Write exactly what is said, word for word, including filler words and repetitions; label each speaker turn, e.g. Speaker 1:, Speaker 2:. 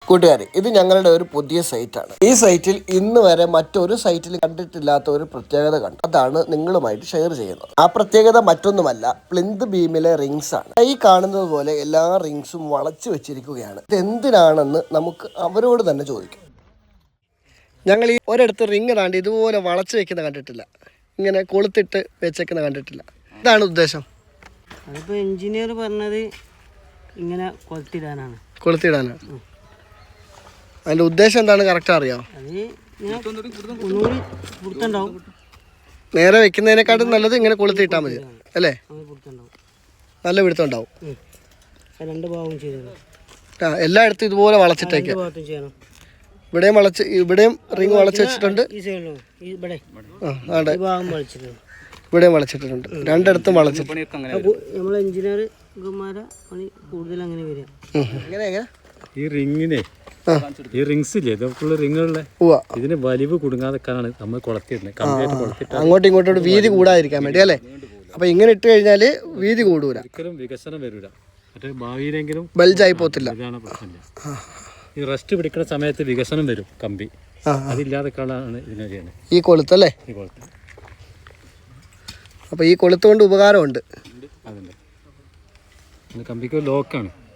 Speaker 1: കൂട്ടുകാരെ, ഇത് ഞങ്ങളുടെ ഒരു പുതിയ സൈറ്റാണ്. ഈ സൈറ്റിൽ ഇന്ന് വരെ മറ്റൊരു സൈറ്റിൽ കണ്ടിട്ടില്ലാത്ത ഒരു പ്രത്യേകത കണ്ടു. അതാണ് നിങ്ങളുമായിട്ട് ഷെയർ ചെയ്യുന്നത്. ആ പ്രത്യേകത മറ്റൊന്നുമല്ല, പ്ലിന്ത് ബീമിലെ റിങ്സ് ആണ്. ഈ കാണുന്നത് പോലെ എല്ലാ റിങ്സും വളച്ചു വെച്ചിരിക്കുകയാണ്. ഇത് എന്തിനാണെന്ന് നമുക്ക് അവരോട് തന്നെ ചോദിക്കാം. ഞങ്ങൾ ഈ ഒരിടത്ത് റിങ് താണ്ടി ഇതുപോലെ വളച്ചു വെക്കുന്ന കണ്ടിട്ടില്ല, ഇങ്ങനെ കൊളുത്തിട്ട് വെച്ചേക്കുന്ന കണ്ടിട്ടില്ല. ഇതാണ് ഉദ്ദേശം.
Speaker 2: അതിപ്പോൾ എഞ്ചിനീയർ പറഞ്ഞത് ഇങ്ങനെ കൊളുത്തിടാനാണ്.
Speaker 1: കൊളുത്തിടാനാണ് അതിൻ്റെ ഉദ്ദേശം എന്താണ് കറക്റ്റ് അറിയാം? നേരെ വെക്കുന്നതിനെക്കാട്ടും നല്ലത് ഇങ്ങനെ കൊളുത്തിട്ടാൽ മതി അല്ലേ? നല്ല പിടുത്തം ഉണ്ടാവും.
Speaker 2: രണ്ട് ഭാഗവും ചെയ്തു.
Speaker 1: ആ, എല്ലായിടത്തും ഇതുപോലെ വളച്ചിട്ടേക്കാം. ഇവിടെയും വളച്ച് ഇവിടെയും റിങ് വളച്ച് വെച്ചിട്ടുണ്ട്. ഇവിടെയും വളച്ചിട്ടുണ്ട്. രണ്ടിടത്തും വളച്ചിട്ടുണ്ട്.
Speaker 2: നമ്മളെ എഞ്ചിനീയർ കൂടുതൽ അങ്ങനെ വരിക.
Speaker 1: എങ്ങനെ എങ്ങനെ
Speaker 3: ഈ റിങ്ങിനെ ഈ റിങ്സ് ഇല്ലേ, ഇതൊക്കെയുള്ള റിങ്ങുകളിലെ ഇതിന് വലിവ് കുടുങ്ങാതെക്കാനാണ് നമ്മൾ കൊളത്തിയിടുന്നത്.
Speaker 1: അങ്ങോട്ടും ഇങ്ങോട്ടും വീതി കൂടാതിരിക്കാൻ വേണ്ടി അല്ലേ? അപ്പൊ ഇങ്ങനെ ഇട്ട് കഴിഞ്ഞാല് വീതി കൂടൂല,
Speaker 3: ഒരിക്കലും വികസനം വരൂല. മറ്റേ ഭാവിയിലെങ്കിലും
Speaker 1: ബൾജായി പോത്തില്ല.
Speaker 3: ഇതാണ് പ്രശ്നമില്ല. ഈ റെസ്റ്റ് പിടിക്കുന്ന സമയത്ത് വികസനം വരും കമ്പി. അതില്ലാതെക്കാളാണ് ഇതിനെ ചെയ്യുന്നത്.
Speaker 1: ഈ കൊളുത്തല്ലേ?
Speaker 3: ഈ കൊളുത്ത്.
Speaker 1: അപ്പൊ ഈ കൊളുത്ത് കൊണ്ട് ഉപകാരമുണ്ട്.
Speaker 3: അതുണ്ട്. കമ്പിക്ക് ലോക്കാണ്.